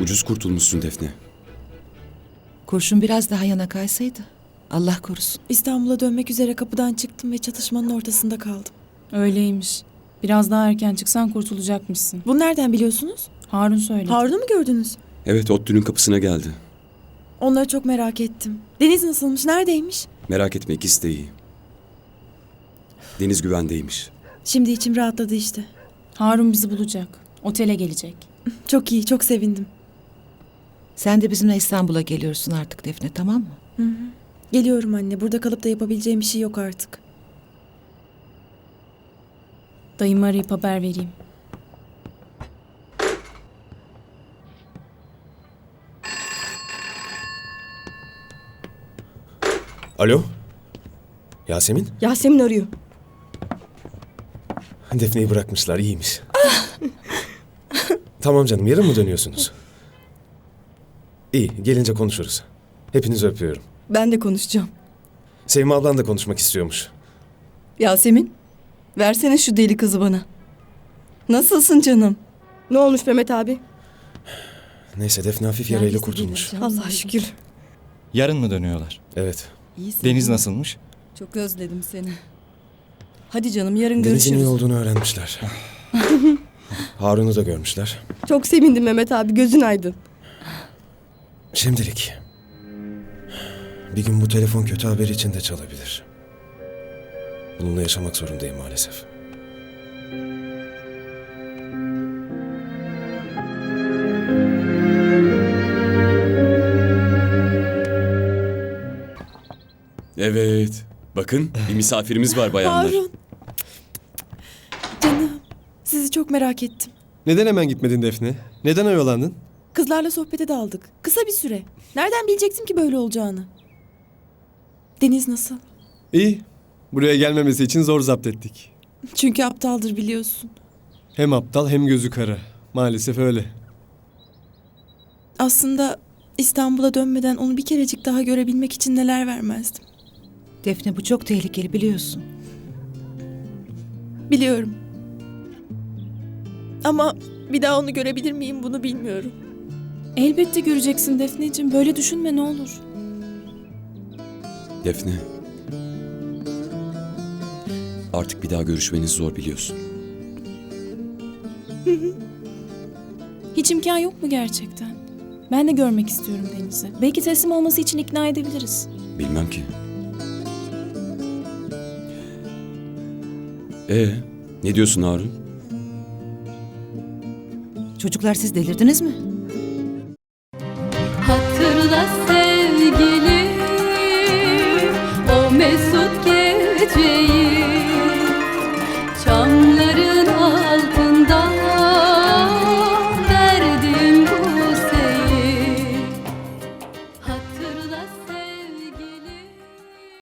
Ucuz kurtulmuşsun Defne. Kurşun biraz daha yana kaysaydı. Allah korusun. İstanbul'a dönmek üzere kapıdan çıktım ve çatışmanın ortasında kaldım. Öyleymiş. Biraz daha erken çıksan kurtulacakmışsın. Bunu nereden biliyorsunuz? Harun söyledi. Harun'u mu gördünüz? Evet, ODTÜ'nün kapısına geldi. Onları çok merak ettim. Deniz nasılmış, neredeymiş? Merak etme, ikisi de iyi. Deniz güvendeymiş. Şimdi içim rahatladı işte. Harun bizi bulacak. Otele gelecek. Çok iyi, çok sevindim. Sen de bizimle İstanbul'a geliyorsun artık Defne, tamam mı? Geliyorum anne, burada kalıp da yapabileceğim bir şey yok artık. Dayımı arayıp haber vereyim. Alo? Yasemin? Yasemin arıyor. Defne'yi bırakmışlar, iyiymiş. Tamam canım, yarın mı dönüyorsunuz? İyi, gelince konuşuruz. Hepinizi öpüyorum. Ben de konuşacağım. Sevim ablan da konuşmak istiyormuş. Yasemin, versene şu deli kızı bana. Nasılsın canım? Ne olmuş Mehmet abi? Neyse, Defne hafif yarayla kurtulmuş. Allah şükür. Yarın mı dönüyorlar? Evet. İyisin. Deniz nasılmış? Çok özledim seni. Hadi canım, yarın Deniz'in iyi görüşürüz. olduğunu öğrenmişler. Harun'u da görmüşler. Çok sevindim Mehmet abi, gözün aydın. Şimdilik. Bir gün bu telefon kötü haber için de çalabilir. Bununla yaşamak zorundayım maalesef. Evet. Bakın, bir misafirimiz var bayanlar. Harun. Canım, sizi çok merak ettim. Neden hemen gitmedin Defne? Neden oyalandın? Kızlarla sohbete daldık. Kısa bir süre. Nereden bilecektim ki böyle olacağını? Deniz nasıl? İyi. Buraya gelmemesi için zor zapt ettik. Çünkü aptaldır biliyorsun. Hem aptal hem gözü kara. Maalesef öyle. Aslında İstanbul'a dönmeden onu bir kerecik daha görebilmek için neler vermezdim. Defne, bu çok tehlikeli biliyorsun. Biliyorum. Ama bir daha onu görebilir miyim bunu bilmiyorum. Elbette göreceksin Defneciğim. Böyle düşünme ne olur. Defne. Artık bir daha görüşmeniz zor biliyorsun. Hiç imkan yok mu gerçekten? Ben de görmek istiyorum Deniz'i. Belki teslim olması için ikna edebiliriz. Bilmem ki. Ne diyorsun Harun? Çocuklar, siz delirdiniz mi?